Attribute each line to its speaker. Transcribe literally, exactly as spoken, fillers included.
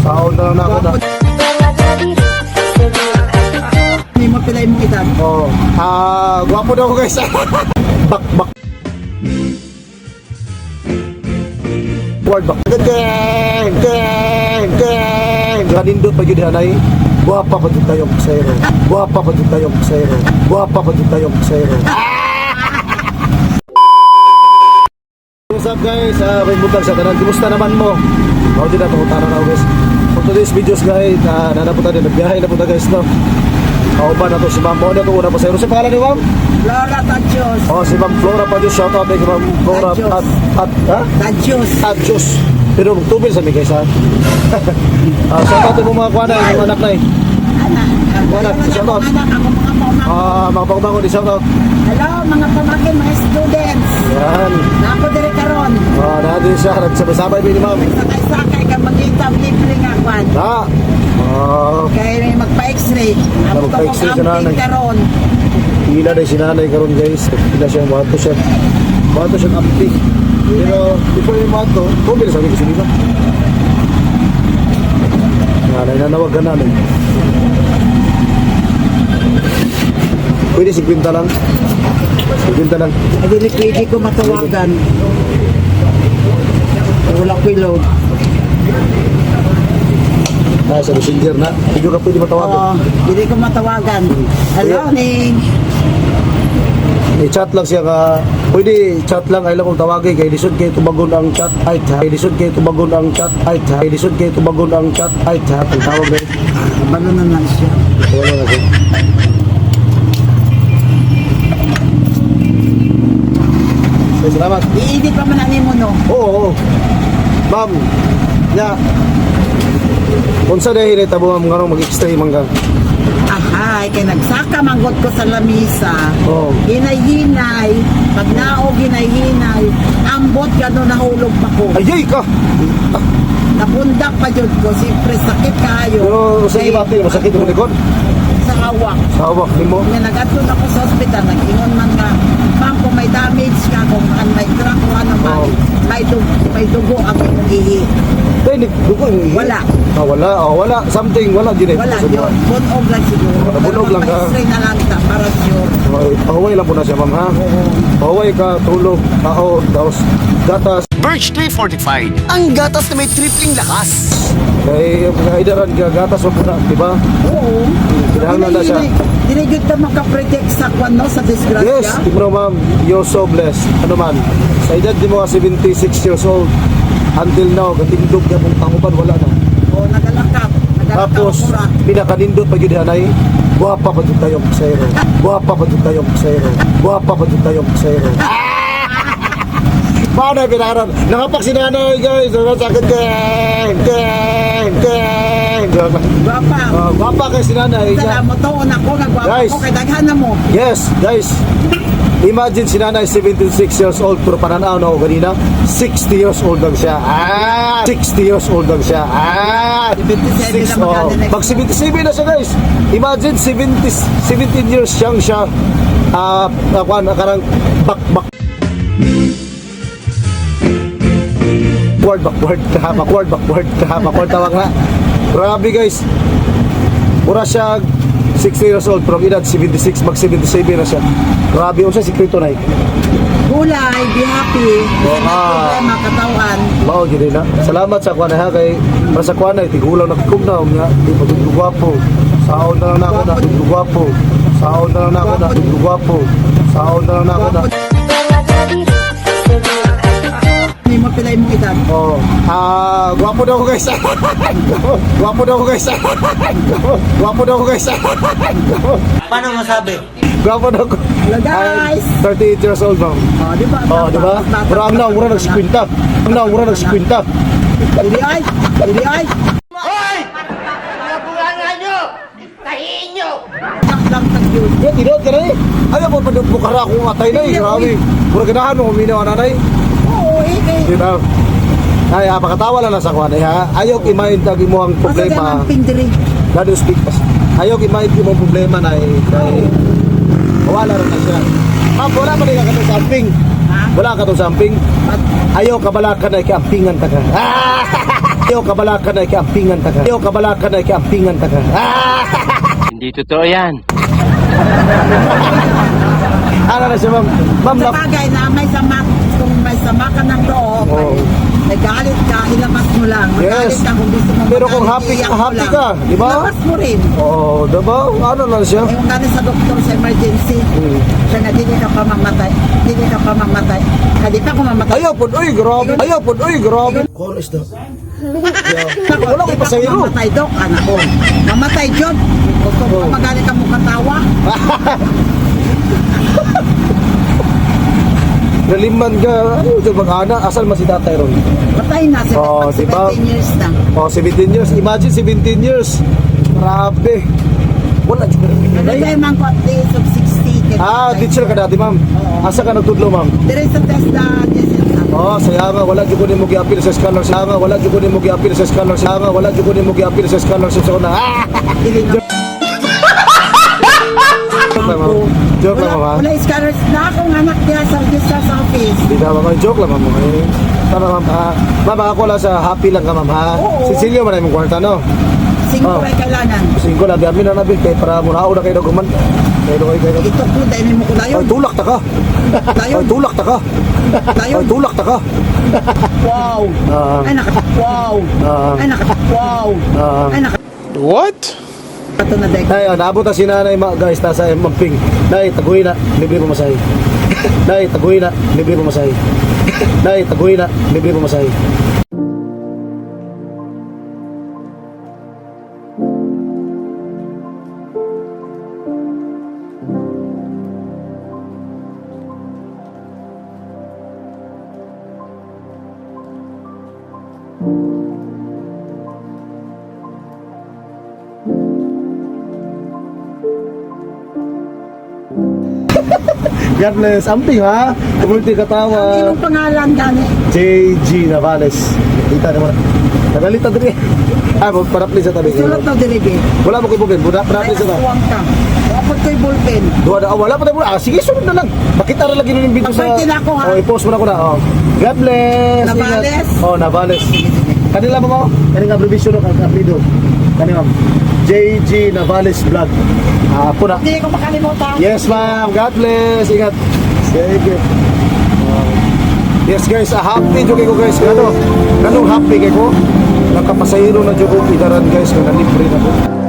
Speaker 1: Sahod na lang na ako na.
Speaker 2: Hindi mo pilay mong edad.
Speaker 1: Oo. Ah, gwapo daw ako guys. Bak, bak. Word bak. Geng, geng, geng. Ganindot pa yun hanay. Guwapa pa dito tayong kusero. Guwapa pa dito tayong kusero. Guwapa pa dito tayong kusero. What's up guys? Uh, may butang sa tanan. Kumusta naman mo? Ako din na pangutaran ako guys. For today's videos guys, uh, nanapunta din. Nagbiyahe na punta guys no. Kauban na to si Ma'am. Mo na to una pa sa Ano sa pangalan ni Ma'am?
Speaker 2: Flora Tadjos.
Speaker 1: Oh, si Ma'am Flora pa Diyos. Shout out kay Ma'am Flora
Speaker 2: Tadjos.
Speaker 1: at, at, ha?
Speaker 2: Tadjos.
Speaker 1: At Diyos. Pero magtubil sa mi guys ha. uh, shout out mo mga kuwanay, mga anak na eh.
Speaker 2: Anak.
Speaker 1: Anak, shout out.
Speaker 2: Anak, ako mga pamangkin.
Speaker 1: Ah, mga pagbangon di shout out.
Speaker 2: Hello, mga pamangkin, mga students.
Speaker 1: Yan.
Speaker 2: Nako dire karon.
Speaker 1: Oh, natin siya. Nagsabay-sabay din ni Ma'am.
Speaker 2: Sakay-sakay ka mag-itab libre nga kwan.
Speaker 1: Ha? Oh,
Speaker 2: Kaya magpa-x-ray. Ako ka
Speaker 1: magpa-x-ray ka
Speaker 2: kong
Speaker 1: na,
Speaker 2: amping
Speaker 1: nag-
Speaker 2: karon.
Speaker 1: pila na si nanay karon guys. Pila siya, mato siya. Mato siya ampi. Pero, before yung mato, tubil sa akin kasi dito. Nanay na nawag ka namin. Pwede si Quinta lang. Si Quinta lang.
Speaker 2: Ay, dili pwede ko matawagan. Wala ko load.
Speaker 1: Ah, sa messenger na. Hindi ka pwede
Speaker 2: Oo,
Speaker 1: matawagan.
Speaker 2: dili ko matawagan. Hello, Ning.
Speaker 1: I-chat lang siya ka. Pwede chat lang. Ay lang kung tawagin. Kaya lisod kayo tumagon ang chat. Ay, ha. Kaya lisod kayo tumagon ang chat. Ay, ha. Kaya lisod kayo tumagon ang chat. Ay, ha. Ang tawag guys.
Speaker 2: Balo na lang siya.
Speaker 1: Wala na siya. Okay, salamat.
Speaker 2: I-edit pa man ani mo no.
Speaker 1: Oo, oo. Ma'am, ya. Kung sa dahil ito mo nga mag-extra mangga.
Speaker 2: Ahay, kay nagsaka manggot ko sa lamisa.
Speaker 1: Oo.
Speaker 2: Hinay-hinay, pag naog hinay-hinay, ambot gano'n nahulog pa ko.
Speaker 1: Ayay ka!
Speaker 2: Nabundak pa jud ko, siyempre sakit kayo.
Speaker 1: Pero sige ba ito, masakit mo likod?
Speaker 2: Sa hawak.
Speaker 1: Sa hawak ni mo?
Speaker 2: Nga nagatun ako sa ospital, nag-ingon man nga, ma'am, kung may damage ka, kung an may crack o ano man,
Speaker 1: Oo.
Speaker 2: may, dugo, may dugo ang imong ihi.
Speaker 1: Tayo, dugo yung
Speaker 2: Wala.
Speaker 1: Ah, wala, oh, wala. Something, wala din eh.
Speaker 2: Wala yun, bunog lang siguro.
Speaker 1: Ah, bunog lang ka.
Speaker 2: magpa-x-ray na lang ta, para sure.
Speaker 1: Okay, pahuway lang po na siya, ma'am, ha? Pahuway ka, tulog, tao, tapos gatas.
Speaker 3: Birch three forty-five. Ang gatas na may tripling lakas.
Speaker 1: Kaya, kaidaran ka, gatas mo po na, di ba?
Speaker 2: Oo.
Speaker 1: Pinahanglan na siya.
Speaker 2: Dinigid ka makapredict sa kwan, no? Sa disgrasya?
Speaker 1: Yes, tignan mo, ma'am, you're so blessed. Ano man, sa edad di mo ka seventy-six years old, until now, katindog niya mong tangupan, wala na.
Speaker 2: Oo, nagalakap. Nagalakap
Speaker 1: Tapos,
Speaker 2: ako ra.
Speaker 1: pinakanindot pa yun hanay, guwapa pa dito tayong kusero. Guwapa pa dito tayong kusero. Guwapa pa dito tayong kusero. Paano yung pinakaran? Nakapak si nanay guys. Sakit geng, geng, geng.
Speaker 2: Gwapa.
Speaker 1: Uh, guwapa kayo si nanay.
Speaker 2: Sala mo to, ako, nagwapa
Speaker 1: Guys.
Speaker 2: ko, kay daghan na mo.
Speaker 1: Yes, guys. Imagine si nanay seventy-six years old pero pananaw na ako kanina sixty years old lang siya. Ah, sixty years old lang siya. Ah,
Speaker 2: seventy-seven
Speaker 1: six,
Speaker 2: na
Speaker 1: oh.
Speaker 2: magkano next
Speaker 1: Mag seventy-seven na siya guys. Imagine seventy, seventeen years siyang siya. Ah, uh, karang bak-bak. Backward, backward, kaha, backward, backward, kaha, backward tawag na. Grabe guys. Mura siya sixty years old from edad seventy-six, mag seventy-seven na siya. Grabe yung siya, sikreto na eh.
Speaker 2: Gulay, be happy.
Speaker 1: Oo,
Speaker 2: May
Speaker 1: ah.
Speaker 2: problema, katawan.
Speaker 1: Mao gid na. Salamat sa kuan ha kay para sa kuan ay tigulang nagkumnaw niya, di pa gud gwapo. Saon na lang na ako na gud gwapo. Saon na lang na ako na gud gwapo. Saon na lang na ako na.
Speaker 2: Hindi mo pilay mong edad.
Speaker 1: Oh, ah, gwapo daw ako guys. Gwapo daw ako guys. Gwapo daw ako guys.
Speaker 4: Paano masabi?
Speaker 1: Gwapo daw ako.
Speaker 2: Hello guys.
Speaker 1: I'm thirty-eight years old bang.
Speaker 2: Oh, di ba?
Speaker 1: Oh, di ba? Mura ang na, mura nagsikwinta. Ang na, mura nagsikwinta.
Speaker 2: Dili ay, dili ay.
Speaker 4: Hoy! Nabulangan nyo! Tahiin nyo!
Speaker 2: Lang lang tag yun.
Speaker 1: Eh, tinod ka na eh. Ayaw mo pa doon bukara akong atay na eh. Grabe. Mura ganahan mo, huminaw na na eh.
Speaker 2: Oo, eh, eh.
Speaker 1: Di ba? Ay, ah, pakatawa lang na sa kuwan eh ha. Ayaw kimain tagi mo ang
Speaker 2: Masa
Speaker 1: problema.
Speaker 2: ang pindiri.
Speaker 1: God speak us. Ayaw kimain mo ang problema na eh. Kay, wala rin na siya. Ma'am, wala pa rin ka itong samping.
Speaker 2: Ha?
Speaker 1: Wala ka itong samping.
Speaker 2: At
Speaker 1: Ayaw ka bala ka na ikampingan ta ka. Ah! Iyo kabalakan na ikampingan ta ka. Iyo kabalakan na ikampingan ta ka. Ah!
Speaker 5: Hindi totoo yan.
Speaker 1: Ano na siya, ma'am? Ma'am,
Speaker 2: Sa
Speaker 1: na...
Speaker 2: bagay na may sama, kung may sama ka ng loob,
Speaker 1: Oo.
Speaker 2: ay nagalit ka, ilabas mo lang. Magalit
Speaker 1: Yes.
Speaker 2: ka kung gusto mo
Speaker 1: Pero kung
Speaker 2: magalit,
Speaker 1: happy ka,
Speaker 2: iiyak mo
Speaker 1: happy
Speaker 2: lang.
Speaker 1: ka, di ba?
Speaker 2: Ilabas mo rin.
Speaker 1: Oo, diba? Ano na siya?
Speaker 2: Eh, kung galing sa doktor sa emergency,
Speaker 1: Hmm.
Speaker 2: siya nga, hindi ka pa mamatay. Hindi ka pa mamatay. Hindi pa ako mamatay.
Speaker 1: Ayaw po, uy, grabe. Ayaw po, uy, grabe. Call is the... Wala ko pasayro.
Speaker 2: Mamatay, Dok, anak ko. Mamatay, John. Kung
Speaker 1: Oo.
Speaker 2: magaling ka mo katawa.
Speaker 1: Naliman ka. Ano dyan mag-ana? Asal man si tatay ron?
Speaker 2: Patay na,
Speaker 1: Oo,
Speaker 2: seventeen
Speaker 1: diba?
Speaker 2: years na.
Speaker 1: Oh, seventeen years. Imagine seventeen years. Grabe. Wala dyan ka na.
Speaker 2: Nalagay man ko at least of sixty.
Speaker 1: Ah, teacher ka dati, ma'am. Asa ka nagtudlo, ma'am?
Speaker 2: There is a test na Jason.
Speaker 1: Oh, saya nga, wala dyan ko din mo gi-appeal sa scholarship. Saya nga, wala dyan ko din mo gi-appeal sa scholarship. Saya nga, wala dyan ko din mo gi-appeal sa scholarship sa una. Ah! Joke lang, ma'am. Joke lang, ma'am. ha?
Speaker 2: Wala scholars na akong anak niya sa registrar's office.
Speaker 1: Hindi na, ma'am. Joke lang, ma'am. Eh, Tama, ma'am. ha? Ma'am, ako lang sa happy lang ka, ma'am. Ha?
Speaker 2: Oo.
Speaker 1: Cecilio, man yung kwarta, no?
Speaker 2: Singko
Speaker 1: Oh.
Speaker 2: ay kailangan.
Speaker 1: Singko na, di amin na nabil. Kaya para muna ako na kayo naguman. Kayo kayo kayo.
Speaker 2: Ito po, dahil mo ko layon.
Speaker 1: Ay, tulak ta ka.
Speaker 2: Layon.
Speaker 1: Ay, tulak ta ka.
Speaker 2: Layon.
Speaker 1: Ay, tulak ta ka.
Speaker 2: Wow.
Speaker 1: Ah.
Speaker 2: Ay, naka. Wow.
Speaker 1: Ah.
Speaker 2: Ay, naka. Wow.
Speaker 1: Ah.
Speaker 2: Ay, naka.
Speaker 5: What?
Speaker 2: Ito na, Dek.
Speaker 1: Nay, oh, naabot na si nanay, ma- guys, nasa Mamping. Nay, taguhin na, libre mo masahe. Nay, taguhin na, libre mo masahe. Nay, taguhin na, libre mo masahe. God bless. Amping ha. Community
Speaker 2: Ang
Speaker 1: Katawa.
Speaker 2: iyong pangalan, gani.
Speaker 1: J G Navales. Kita naman. Nagalita din eh. Ah, parapli sa tabi.
Speaker 2: Sulat na diribi.
Speaker 1: Wala mo kay Bugin. Buda,
Speaker 2: Ay,
Speaker 1: parapli sa tabi.
Speaker 2: aswang ka. Dapat ko'y ballpen.
Speaker 1: Duha na, oh, wala pa tayo. Ah, sige, sunod na lang. Bakit ara lagi nun yung video sa...
Speaker 2: Mag-birthday na ako, ha?
Speaker 1: Oh, i-post mo na ko na. Oh. God bless.
Speaker 2: Navales?
Speaker 1: Ingat. Oh, Navales.
Speaker 2: Sige, sige.
Speaker 1: Kanila mo mo? Kanila abbreviation no, kang apelido. Kanila ma'am. J G Navales Vlog. Ah, po na.
Speaker 2: Hindi ko makalimutan.
Speaker 1: Yes, ma'am. God bless. Ingat. Sige. Uh, yes, guys. Ah, happy jo ko guys. Ano? Ganong happy kay ko. Nakapasayro na jo ko idaran guys. Kung nalibre na ko.